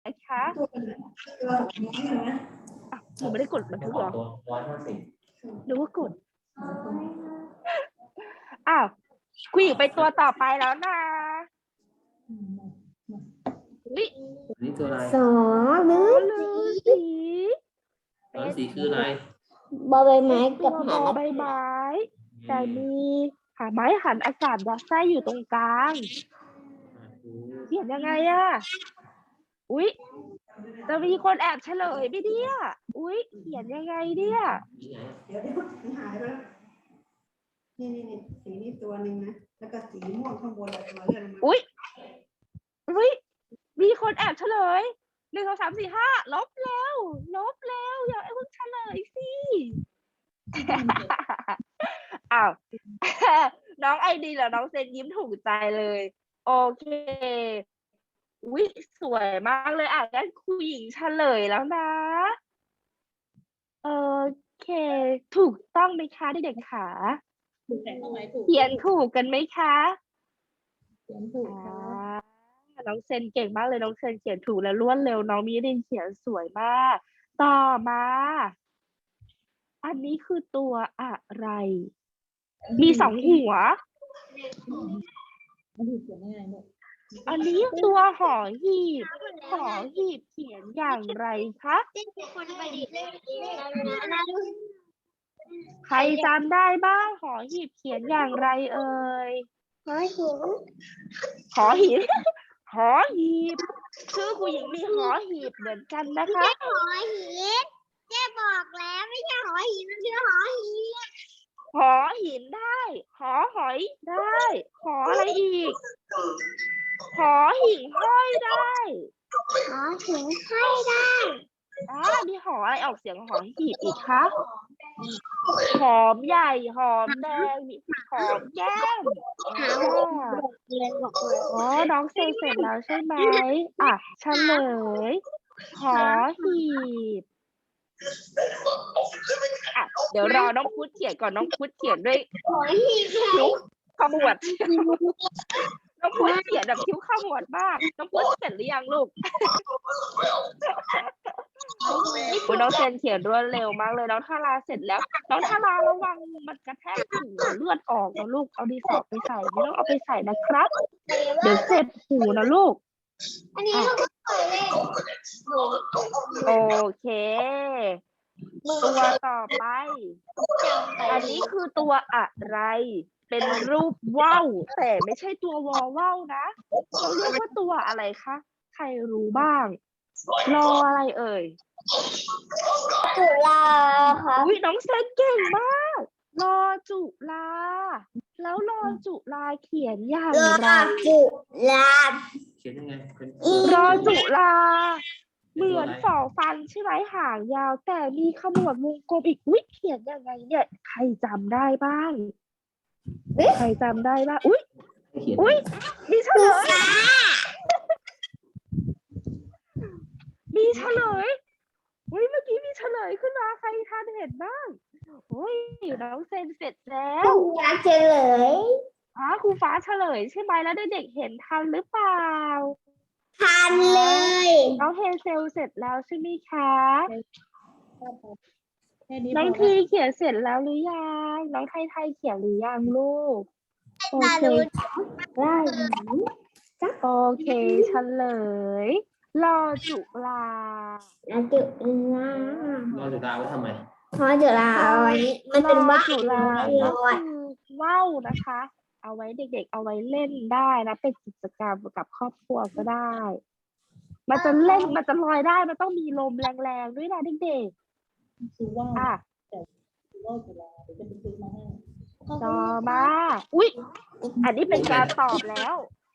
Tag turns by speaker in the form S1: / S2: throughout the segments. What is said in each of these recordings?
S1: คะหนูไม่ได้กดบันทึกหรอหรือว่ากดอ้าวคุยไปตัวต่อไปแล้วนะ
S2: นี่ตัวอะไร
S3: สอฤา
S1: ฤา
S3: ษี
S1: ษี
S2: สีคืออะไร
S3: บอใบไม้กับ
S1: ตัว
S3: หา
S1: ใบไม้แต่มีหาไม้หันอากาศยัดไส้อยู่ตรงกลางเขียนยังไงอะอุ๊ยจะมีคนแอบเฉลยไหมเนี่ยอุ๊ยเขียนยังไงเนี่ย
S4: เดี๋ยวมันหายไปแล้วนี่สีนี้ตัวหนึ่งนะแล้วก็สีม่วงข้างบนอะไรมาเลื่อนมา
S1: อุ๊ยมีคนแอบเฉลย1 2 3 4 5ลบแล้วอย่าเพิ่งเฉลยสิอ้าว น้องไอดีเหรอน้องเซนยิ้มถูกใจเลยโอเคอุ๊ยสวยมากเลยอ่ะงั้นครูหญิงเฉลยแล้วนะโอเคถูกต้องไหมคะเด็กๆคะเขียนถูกกันไหมคะน้องเซนเก่งมากเลยน้องเซนเขียนถูกและรวดเร็วน้องมิรินเขียนสวยมากต่อมาอันนี้คือตัวอะไร มี2 หัว อันนี้ตัวหอหีบเขียนอย่างไรคะใครจำได้บ้างหอหีบเขียนอย่างไรเอ่ยหอหีบหอหีบชื่อผู้หญิงมีหอหีบเหมือนกันนะคะ
S3: หอหีบเจ๊บอกแล้วไม่ใช่หอหีบมันคือหอหีบ
S1: หอหินได้หอหอยได้หออะไรอีกหอหิ่งห้อยได้
S3: หอหิ่งห้อยได้
S1: มีหออะไรออกเสียงหอหีบอีกคะหอมใหญ่หอมแดงมีหอมแก้มอ๋อน้องเสร็จแล้วใช่ไหมเฉลยหอหีบเดี๋ยวรอน้องพุทธเขียนก่อนน้องพุทธเขียนด้วย
S3: หอหีบ
S1: คิ้วขมวดน้องพุทธเขียนแบบคิ้วขมวดมากน้องพุทธเสร็จหรือยังลูกน้องเซนเขียนรวดเร็วมากเลยน้องทาราเสร็จแล้วน้องทาราระวังมันกระแทกหูเลือดออกนะลูกเอาดินสอไปใส่ไม่ต้องเอาไปใส่นะครับเดี๋ยวเจ็บหูนะลูก
S3: อันนี้เราก็เคยเล่น
S1: โอเคตัวต่อไปอันนี้คือตัวอะไรเป็นรูปว่าวแต่ไม่ใช่ตัววอว่าวนะเขาเรียกว่าตัวอะไรคะใครรู้บ้างรออะไรเอ่ย
S3: จุฬาค่ะ
S1: อุ๊ยน้องเซนเก่งมากรอจุฬาแล้วรอจุฬาเขียนอย่างไร
S3: จุฬา
S2: เขียนยังไงเป็น
S1: รอจุฬาเหมือนฝ่อฟันใช่ไหมหางยาวแต่มีขมวดวงกลมอีกอุ๊ยเขียนยังไงเนี่ยใครจำได้บ้างใครจำได้บ้างอุ๊ย
S2: เขียน
S1: มีเฉลยอุ๊ยเมื่อกี้มีเฉลยขึ้นมาใครทันเห็นบ้างอุ๊ยน้องเซนเสร็จแล้ว
S3: อยากเฉลย
S1: ครูฟ้าเฉลยใช่ไหมแล้วเด็กๆเห็นทันหรือเปล่า
S3: ทันเลย
S1: น้องเฮเซลเสร็จแล้วใช่ไหมคะน้องทีเขียนเสร็จแล้วหรือยังน้องไทยเขียนหรือยังลูกโอเคได้โอเคเฉลยรอจุฬา
S3: จุฬาร
S2: อจุฬาไว้ทำไม
S3: เพราะจุฬาเอาไว้มันเป็นว่าว
S1: จุฬาก็คือว่าวนะคะ เอาไว้เด็กๆเอาไว้เล่นได้นะเป็นกิจกรรมกับครอบครัวก็ได้ มันจะเล่นมันจะลอยได้มันต้องมีลมแรงๆด้วยนะเด็กๆต่อมาอุ๊ยอันนี้เป็นการตอบแล้ว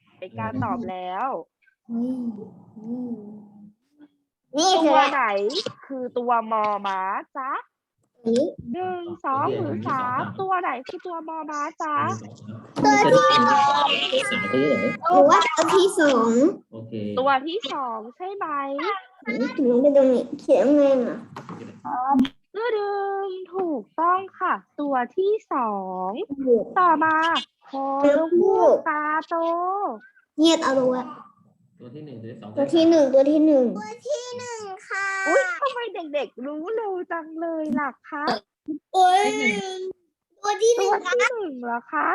S3: นี่คื
S1: ตั
S3: อ
S1: วไหนคือตัวมอม้าจ๊ะ1 2 หรือ 3ตัวไหนคือตัวมอม้าจ๊ะ
S3: ตัวที่
S2: สามตัวเหรอ
S3: หรือว่าตัวที่สอง
S2: โอเค
S1: ตัวที่2ใช่ไหม
S3: ถึงเป็นตรงนี้เขียนไงอ่ะ
S1: ดึงถูกต้องค่ะ ตัวที่2ต่อมาคอลูกตาโต
S3: เงียบเอาดูอ่ะ
S2: ตัวที่หนึ่งตัวที่สอง
S3: ตัวที่หนึ่งตัวที่หนึ่งค่ะ
S1: อุ้ยทำไมเด็กๆรู้เร็วจังเลยล่ะคะ
S3: โอ้ยตัวที่ห
S1: ตั
S3: นึ่
S1: ว
S3: ง
S1: ที่หนึ่งเหรอคะ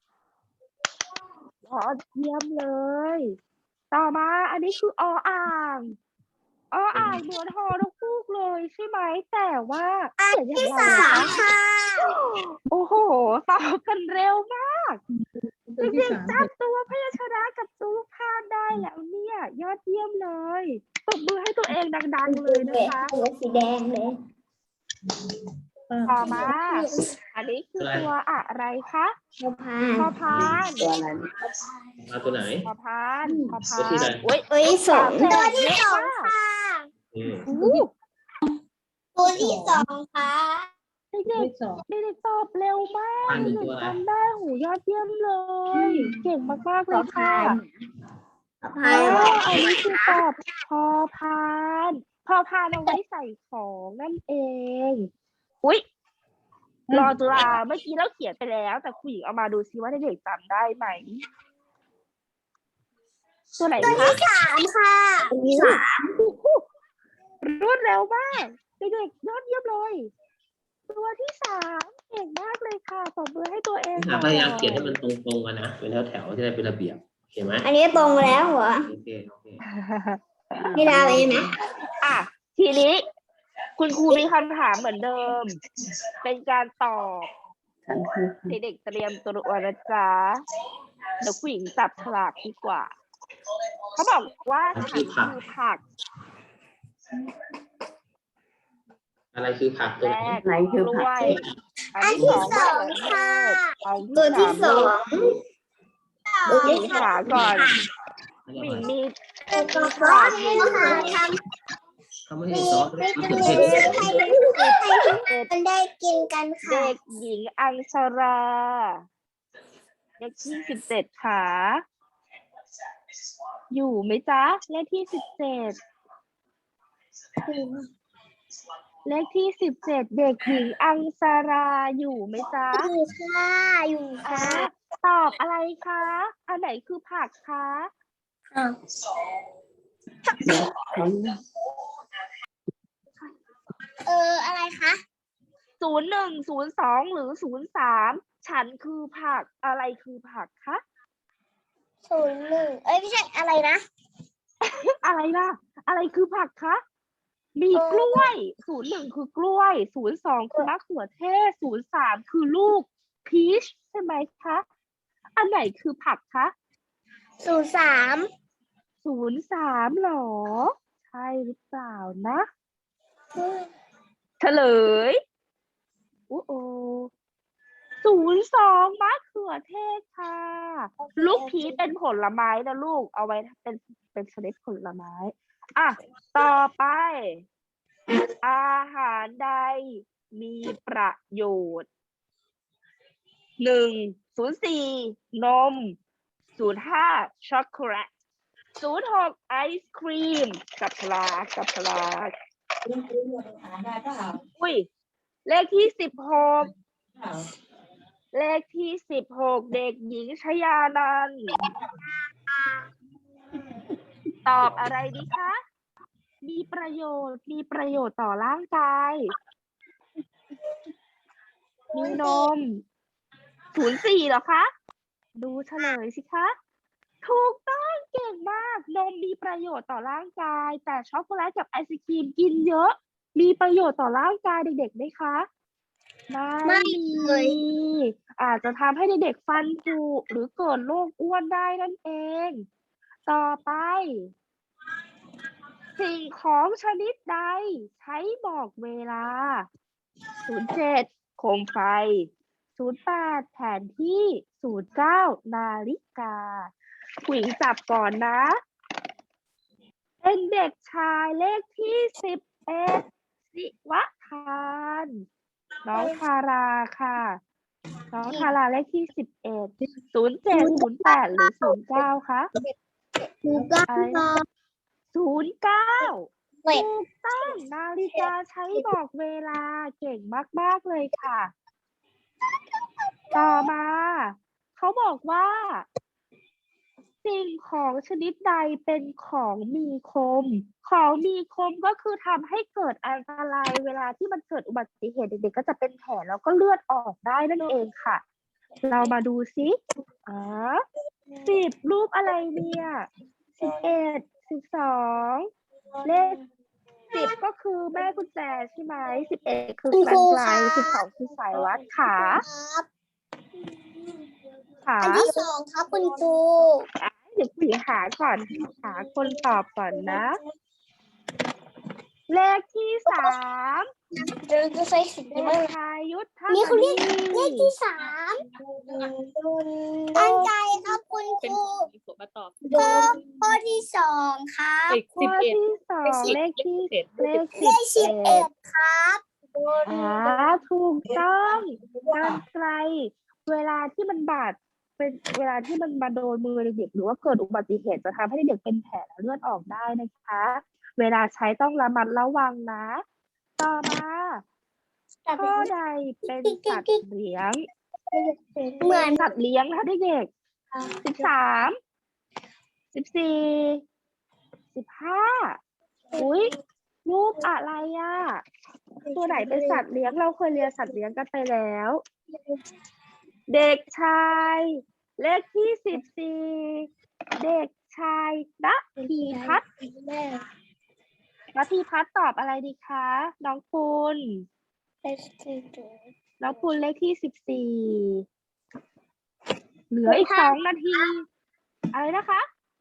S1: ยอดเยี่ยมเลย ต่อมาอันนี้คืออ่างเหมือนฮอนกฮูกเลยใช่ไหมแต่ว่าเขียนอย่างไร
S3: สา
S1: คะ
S3: มค่ะ
S1: โอ้โหตอบกันเร็วมาก
S4: ตัวที่
S1: เด็ก
S4: สาม
S1: ๆจำตัวพยัญชนะกับตัวพานได้แล้วเนี่ย ยอดเยี่ยมเลยตบมือให้ตัวเองดังๆเลยนะคะ
S3: ตัวสีแดงเลย
S1: ต่อมา อันนี้คือตัวอะไรคะ
S3: พอพา
S1: พอพาน
S3: ตัวอะไร
S2: มาตัวไหน
S1: พอพาน
S2: ตัวที่ไหน
S1: อุ้ย
S3: ตัวที่สอง
S1: ตั
S3: ตัว ว
S1: ที่
S3: ที่
S1: ส
S3: ส
S1: อ
S3: อง ง
S1: ค่ะ
S3: ค่ะ
S2: อืม
S1: อู้
S3: ตัวที่สองค่ะ
S1: เด็กๆเด็กๆตอบเร็วมาก
S2: พานเป็น
S1: เด็
S2: ตั
S1: ก
S2: วอะไร
S1: ทำได้หูยอดเยี่ยมเลย เก่งมากๆเลยค่ะ
S3: พอพาน
S1: อันนี้คือตอบพอพานเอาไว้ใส่ของนั่นเอง อุ๊ย รอจุฬาเมื่อกี้เราเขียนไปแล้ว แต่ครูหญิงเอามาดูซิว่าเด็กๆจำได้ไหม ตัวไหนคะ
S3: สามค่ะ
S1: สามรวดเร็วมาก เด็กๆยอดเยี่ยมเลย ตัวที่สามเก่งมากเลยค่ะตบมือให้ตัวเอง
S2: พยายามเขียนให้มันตรงๆกันนะเป็นแถวๆจะได้เป็นระเบียบเห็นไหม
S3: อันนี้ตรงแล้วเหรอ
S2: โอเค
S3: พี่ดาวเองนะ
S1: อ่ะทีนี้ คุณครูมีคำถามเหมือนเดิม เป็นการตอบ เด็กๆเตรียมตัวนะจ๊ะเดี๋ยวผู้หญิงจับฉลากดีกว่า เขาบอกว่าฉันคือผัก
S2: อะไรคือผักตัว
S1: แร
S2: ไหน
S1: กกล้วย อันที่สองมะเขือเทศอัน
S3: ตัวที่
S1: ที่
S3: ส
S1: สา
S3: อ
S1: ม
S3: ง
S1: ลูกหญิงหาก่อนหญิงมี
S3: ตัวซอสนี่ค่ะทำ
S2: เขาไม่ให้ซอสมะเขือเทศ
S3: มันได้กินกันค่ะ
S1: เด็กหญิงอังสราเลขที่17ค่ะ อยู่ไหมจ๊ะ เลขที่17เลขที่17เด็กหญิงอังสราอยู่ไหมจ๊ะ
S3: อยู่ค่ะอยู่
S1: อ่า
S3: ค่ะ
S1: ตอบอะไรคะ อันไหนคือผักคะ
S3: อะไรคะ
S1: 01 02 หรือ 03 ฉันคือผัก อะไรคือผักคะ
S3: 01ไม่ใช่อะไรนะ
S1: อะไรล่ะ อะไรคือผักคะ มีกล้วย 01 คือกล้วย 02 คือมะเขือเทศ 03 คือลูกพีชใช่ไหมคะ อันไหนคือผักคะ
S3: 03
S1: 03หรอ ใช่หรือเปล่านะ เฉลยโอ้โอ02 มะเขือเทศค่ะ ลูกพีชเป็นผลไม้นะลูก เอาไว้เป็นชนิดผลไม้ อ่ะ ต่อไป อาหารใดมีประโยชน์ 1 04 นม 05 ช็อกโกแลต 06 ไอศครีม กับพลากอุ้ย เลขที่ 16 เลขที่ 16 เด็กหญิงชยานันท์ตอบอะไรดีคะ มีประโยชน์ต่อร่างกาย มีนม 04เหรอคะ ดูเฉลยสิคะ ถูกต้องเก่งมาก นมมีประโยชน์ต่อร่างกาย แต่ช็อกโกแลตกับไอศกรีมกินเยอะ มีประโยชน์ต่อร่างกายเด็กๆไหมคะ ไม่มี อาจจะทำให้เด็กๆฟันผุหรือเกิดโรคอ้วนได้นั่นเอง ต่อไป สิ่งของชนิดใดใช้บอกเวลา 07 โคมไฟ 08 แผนที่ 09 นาฬิกาผู้หญิงจับก่อนนะ เป็นเด็กชายเลขที่ 11 สิวะทาน น้องทาราค่ะ น้องทาราเลขที่ 11 07 08 หรือ 09 คะ อะไรนะ 09
S3: เว้ย
S1: ถูกต้องนาฬิกาใช้บอกเวลาเก่งมากๆเลยค่ะ ต่อมา เขาบอกว่าสิ่งของชนิดใดเป็นของมีคม ของมีคมก็คือทำให้เกิดอันตรายเวลาที่มันเกิดอุบัติเหตุเด็กๆก็จะเป็นแผลแล้วก็เลือดออกได้นั่นเองค่ะ เรามาดูซิ10 รูปอะไรเนี่ย11 12เลข10ก็คือแม่กุญแจใช่ไหม11คือกันไกล12คือสายวัดขา
S3: ครับ
S1: ขา
S3: อันที่สองครับคุณครู
S1: เดี๋ยวคุยหาก่อนหาคนตอบก่อนนะ เลขที่3
S3: เดินจะใส่สี
S1: เด็กชายยุทธ
S3: นี่เขาเรียก
S1: มณี
S3: เลขที่3ตั้งใจครับคุณค
S5: เป็น
S3: รู
S5: ผมมาตอบ
S3: ข้อที่2ครับ
S1: ข้อที่2เลขที่เลข
S3: เลข11ครับ
S1: ถูกต้องกันไกลเวลาที่มันบาดเป็นเวลาที่มันมาโดนมือเด็กๆหรือว่าเกิดอุบัติเหตุจะทำให้เด็กเป็นแผลและเลือดออกได้นะคะ เวลาใช้ต้องระมัดระวังนะ ต่อมาข้อใดเป็นสัตว์เลี้ยง
S3: เหมือน
S1: สัตว์เลี้ยงนะคะเด็กๆ13 14 15อุ๊ยรูปอะไรอ่ะ ตัวไหนเป็นสัตว์เลี้ยงเราเคยเรียนสัตว์เลี้ยงกันไปแล้ว เด็กชายเลขที่14เด็กชายณพีพัฒน์ณพีพัฒน์ตอบอะไรดีคะน้องปุณน้องปุณเลขที่14เหลืออีก2 นาทีอะไรนะคะ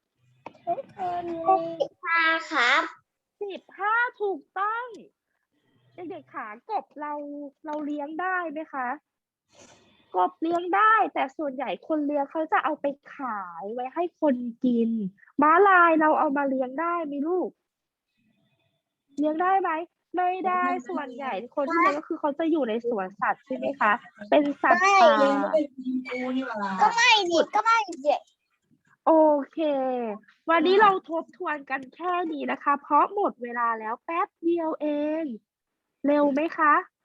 S3: 15ครับ
S1: 15ถูกต้องเด็กๆขากบเราเลี้ยงได้ไหมคะกบเลี้ยงได้แต่ส่วนใหญ่คนเลี้ยงเขาจะเอาไปขายไว้ให้คนกินม้าลายเราเอามาเลี้ยงได้ไหมลูกเลี้ยงได้ไหมไม่ได้ส่วนใหญ่คนที่เลี้ยงก็คือเขาจะอยู่ในสวนสัตว์ใช่ไหมคะเป็นสัตว์ป่า
S3: ก็ไม่ดิก็ไม่ดิ
S1: โอเค วันนี้เราทบทวนกันแค่นี้นะคะ เพราะหมดเวลาแล้วแป๊บเดียวเอง เร็วไหมคะ